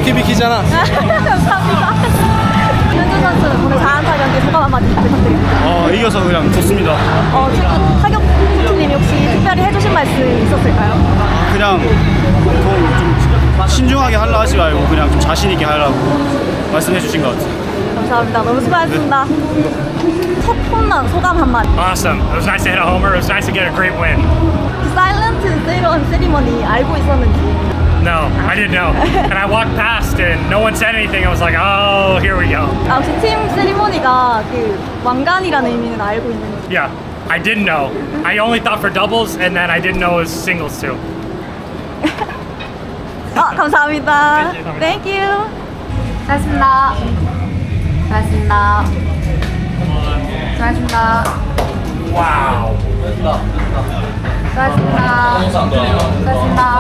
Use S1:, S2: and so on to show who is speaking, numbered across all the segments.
S1: 비키비키잖아.
S2: 감사합니다. 현준 선수 오늘 4안타 경기 소감 한마디 부탁드립니다.
S1: 이겨서 그냥 좋습니다.
S2: 타격 코치님이 혹시 특별히 해주신 말씀 있었을까요?
S1: 그냥 좀 신중하게 하려 하지 말고 그냥 좀 자신 있게 하려고 말씀해 주신 것 같아요.
S2: 감사합니다. 너무 수고하셨습니다. 첫 홈런 소감 한마디.
S3: Awesome. It was nice to hit a homer. It was nice to get a great win.
S2: 사일런트 세이런 세리머니 알고 있었는지.
S3: No, I didn't know. And I walked past and no one said anything. I was like, oh, here we go.
S2: 혹시 팀 세리머니가 그 왕관이라는 의미는 알고 있는지.
S3: Yeah, I didn't know. I only thought for doubles and then I didn't know it was singles too.
S2: 감사합니다. Thank you. 수고하셨습니다. 수고하셨습니다. 수고하셨습니다.
S3: Wow.
S2: 수고하셨습니다. 수고하셨습니다.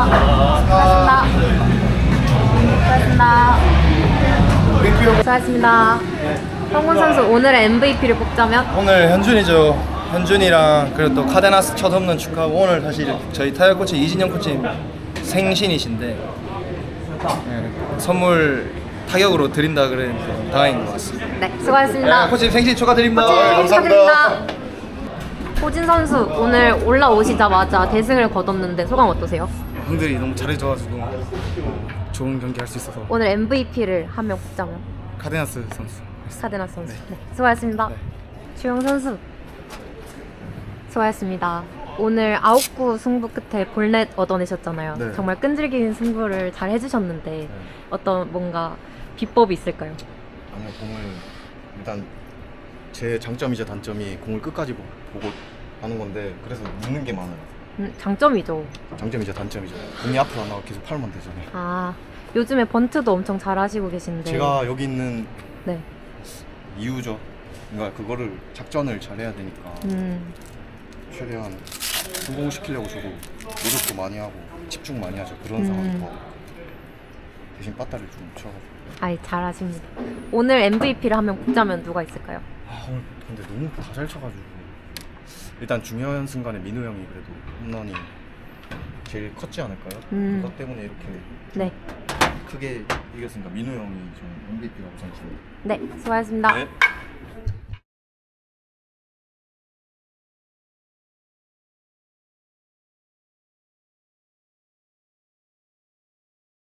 S2: 수고하셨습니다. 수고하셨습니다. 성군 선수 오늘의 MVP를 뽑자면?
S4: 오늘 현준이죠. 현준이랑 그리고 또 카데나스 첫 홈런 축하하고 오늘 사실 저희 타격 코치 이진영 코치님 생신이신데 선물 타격으로 드린다 그랬는데 다행인 것 같습니다.
S2: 네, 수고하셨습니다.
S4: 코치님 생신 축하드립니다.
S2: 코치님 축하드립니다. 호진 선수 오늘 올라오시자마자 대승을 거뒀는데 소감 어떠세요?
S4: 형들이 너무 잘해줘가지고 좋은 경기 할 수 있어서
S2: 오늘 MVP를 한 명 뽑자면?
S4: 카데나스 선수.
S2: 카데나스 선수. 네, 수고하셨습니다. 주영 선수 수고하셨습니다. 오늘 9구 승부 끝에 볼넷 얻어내셨잖아요.
S4: 네.
S2: 정말 끈질긴 승부를 잘 해주셨는데 어떤 뭔가 비법이 있을까요?
S5: 아니요, 공을 일단 제 장점이자 단점이 공을 끝까지 보고 하는 건데 그래서 묻는 게 많아요.
S2: 장점이죠.
S5: 장점이자 단점이죠. 공이 앞으로 안 나가 계속 팔면 되잖아요.
S2: 요즘에 번트도 엄청 잘 하시고 계신데
S5: 제가 여기 있는
S2: 네.
S5: 이유죠. 그러니까 그거를 작전을 잘 해야 되니까 최대한 성공시키려고 저도 노력도 많이 하고 집중 많이 하죠. 그런 상황에서 대신 빠따를 좀 쳐가지고.
S2: 잘하십니다. 오늘 MVP를 한 명 뽑자면 누가 있을까요?
S5: 오늘 근데 너무 다 잘 쳐가지고 일단 중요한 순간에 민우 형이 그래도 홈런이 제일 컸지 않을까요? 그것 때문에 이렇게
S2: 네.
S5: 크게 이겼으니까 민우 형이 좀 MVP라고 생각합니다.
S2: 네, 수고하셨습니다.
S5: 네.